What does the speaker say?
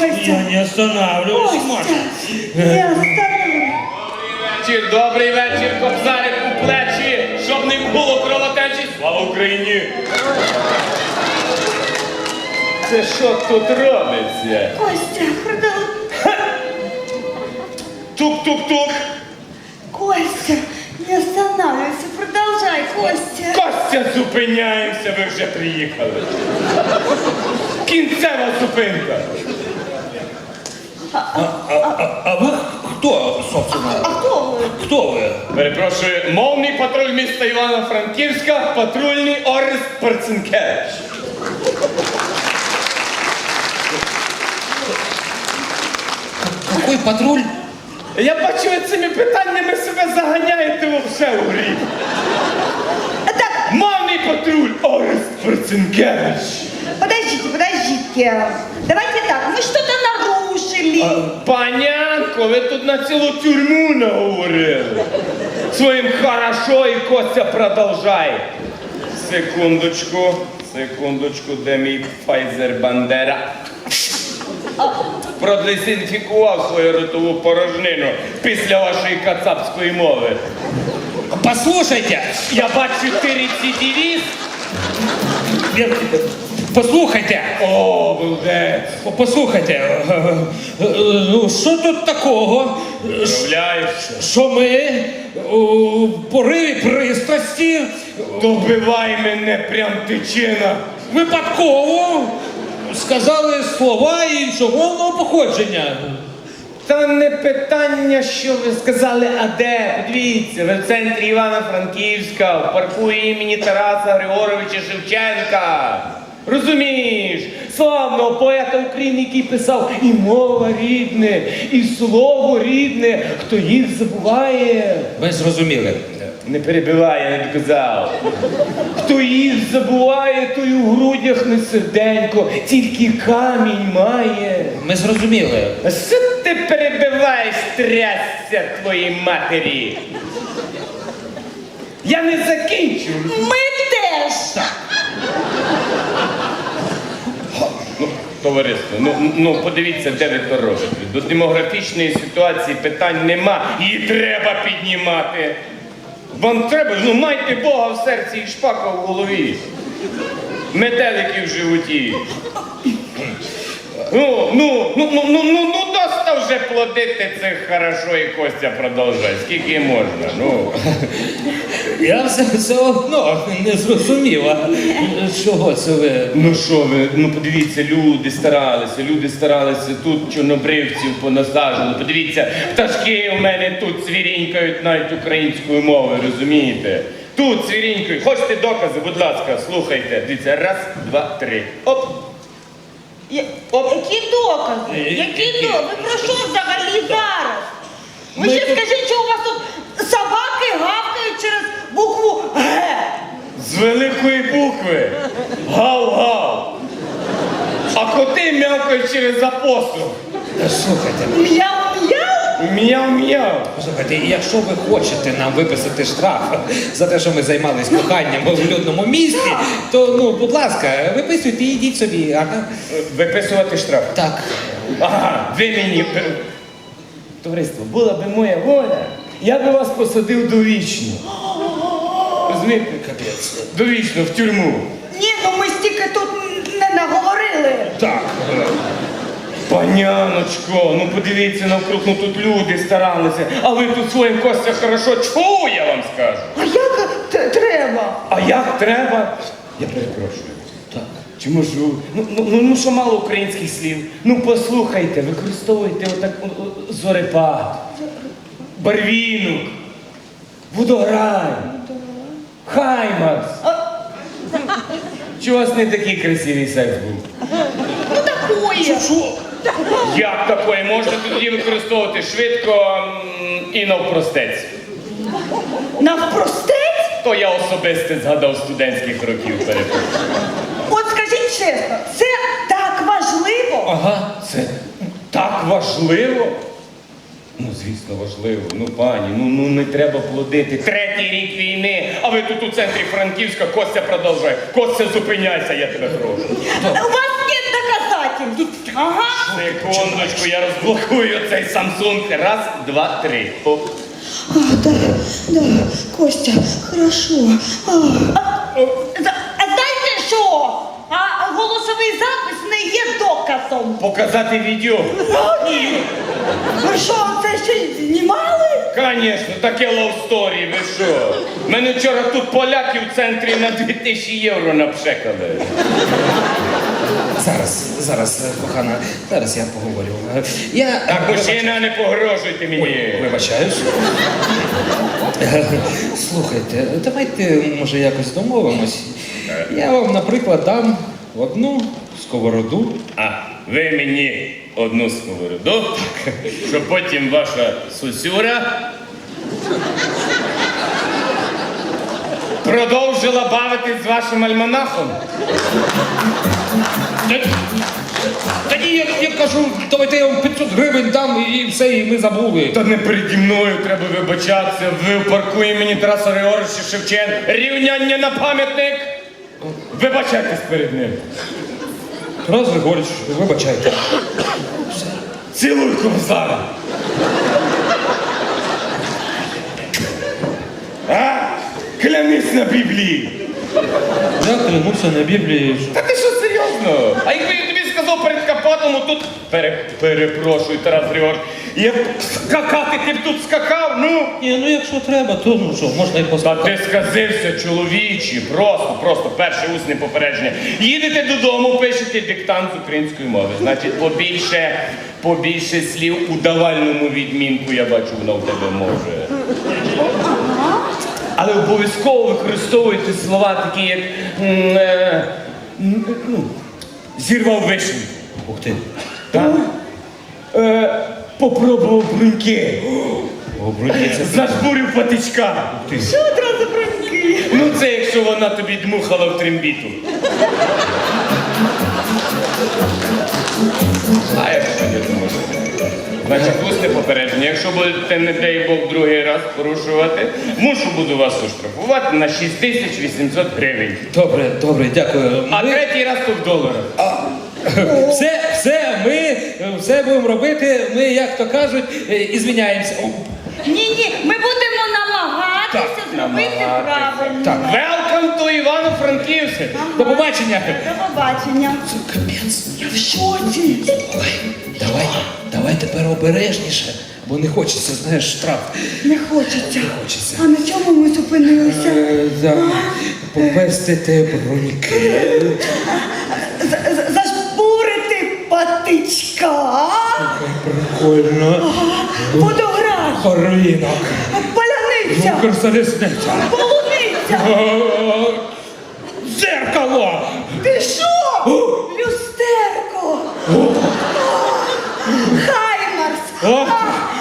Костя. Я не останавливаюсь, Маша. Костя, не остановлюсь. Добрий вечір, кобзарик у плечі, щоб не було кровотечі. Слава Україні! Це що тут робиться? Костя, продал... Тук-тук-тук! Костя, не останавливайся, продолжай, Костя. Костя, зупиняємося, ви вже приїхали. Кінцева зупинка. А вы кто, собственно? А кто вы? Кто вы? Перепрошую, мовний патруль міста Івано-Франківська, патрульний Орест Перцинкевич. Какой патруль? Я бачу, ви цими питаннями себе заганяєте вовсе у гріх. Так, Мовний патруль Орест Перцинкевич. подождите. Давайте так, вы что-то нарушили. Панянко, ви тут на цілу тюрму наговорили. Своїм хорошо і Костя продовжай. Секундочку, де мій Файзер Бандера? Продезінфікував свою ротову порожнину після вашої кацапської мови. Послушайте, Я бачу, ти рецидивіст. послухайте, О, булдець. послухайте, ну що тут такого, Уявляєш, що ми у пориві пристрасті добивай мене прям тичина. випадково сказали слова іншомовного походження. Та не питання, що ви сказали, а де? Подивіться, ви в центрі Івано-Франківська, в парку імені Тараса Григоровича Шевченка. Розумієш, славного поета України, який писав і мова рідне, і слово рідне, хто їх забуває. Ви зрозуміли. Не перебивай, я не доказав. Хто їх забуває, той у грудях не серденько, тільки камінь має. Ми зрозуміли. А що ти перебиваєш, трясся твоїй матері? Я не закінчу. Мы теж. Товариство, ну подивіться, де ви то робите. До демографічної ситуації питань нема. Її треба піднімати. Вам треба, ну майте Бога в серці і шпака в голові. Метелики в животі. Ну, доста вже плодити це хорошо і Костя продовжує. Скільки можна, ну. Я все одно не зрозуміла, чого це ви. Ну що ви, ну подивіться, люди старалися, тут чорнобривців понасаджували. Подивіться, пташки у мене тут цвірінькають навіть українською мовою, розумієте? Тут цвірінькають. Хочете докази, будь ласка, слухайте. Дивіться, раз, два, три. Оп. Які докази? Які докази? Ви про що взагалі зараз? Ви ще скажіть, що у вас тут собаки гавкають через букву Г. З великої букви. Гав-гав. А коти м'явкають через апостол. Слухайте, Мяу-мяу? Мяу-мяу. послухайте, якщо ви хочете нам виписати штраф за те, що ми займались коханням в людному місті, то, ну, будь ласка, виписуйте і йдіть собі, ага. Виписувати штраф. Так. Ага, ви мені... Товариство, була би моя воля, я би вас посадив довічно. Розумієте? Капець. Довічно, в тюрму. Ні, ну ми стільки тут не наговорили. Так. Паняночко, ну подивіться навкруг, ну тут люди старалися, а ви тут своїм Костя хорошо чу, я вам скажу. А як треба? А як треба? Я перепрошую. Так. Чи можу? Ну що мало українських слів? Ну послухайте, використовуйте отак зорепад, барвінок, водограй, хаймарс. Чи у вас не такий красивий секс був? Ну такое. Що? Як такої? Можна тоді використовувати швидко і навпростець. Навпростець? То я особисто згадав студентських років, перепрошую. От скажіть чесно, це так важливо? Ага. Це так важливо? Ну, звісно, важливо. Ну, пані, ну не треба плодити. Третій рік війни, а ви тут у центрі Франківська, Костя продовжує. Костя, зупиняйся, я тебе прошу. У вас нет доказательств. Ага. Секундочку, я розблокую цей Samsung. Раз, два, три. Оп. А, да, Костя, хорошо. А знаєте що? А голосовий запис не є доказом. Показати відео? Ні. Ви що, це ще й знімали? Конечно, таке love story, ви що? Мене вчора тут поляки в центрі на 2000 євро напшекали. Зараз, кохана, зараз я поговорю. Так, мужчина, не погрожуйте мені. Вибачаюсь. Слухайте, давайте, може, якось домовимось. Я вам, наприклад, дам одну сковороду. А ви мені одну сковороду, щоб потім ваша сусюра продовжила бавитись з вашим альманахом. Тоді я кажу, давайте я вам 500 гривень дам і все, і ми забули. Та не переді мною треба вибачатися. Ви в парку імені Тараса Григоровича Шевченка. Рівняння на пам'ятник. Вибачайтесь перед ним. Тарас Григорич, вибачайте. Цілуй комсара. А? Клянись на Біблії. Я клянуся на Біблії. Та ти що, серйозно? А якби я тобі сказав перед Капотом, тут... Перепрошую, Тарас Григорович. Я б скакати, ти б тут скакав, ну? Ні, ну якщо треба, то ну що, можна і Та поставити. ти сказився, чоловічі, просто перше усне попередження. Їдете додому, пишете диктант з української мови. Значить, побільше слів у давальному відмінку, я бачу, воно в тебе може. Але обов'язково використовуйте слова такі, як зірвав вишню. Ух ти. Так? Попробував бруньки. Обрудіться. Зажбурив патичка. Що одразу броньки? Ну це якщо вона тобі дмухала в трембіту. А якщо не зможете? Значить, усне попередження. Якщо будете, не дай Бог, другий раз порушувати, буду вас оштрафувати на 6800 гривень. Добре, дякую. А третій раз то в доларах. Ми все будемо робити, ми, як то кажуть, і звіняємося. Ні, ми будемо намагатися зробити намагатися. правильно. Так. Welcome to Івано-Франківськ. До побачення. До побачення. Капець. Я в шоці. Давай тепер обережніше, бо не хочеться, знаєш, штраф. Не хочеться. Хочеться. А на чому ми зупинилися? Попестити броньки. Зажбурити патичка. Прикольно. Водограй. Ринок. Паляниця. Укрзалізниця. Полуниця. Дзеркало. Ти що? Люстерко. Хаймарс.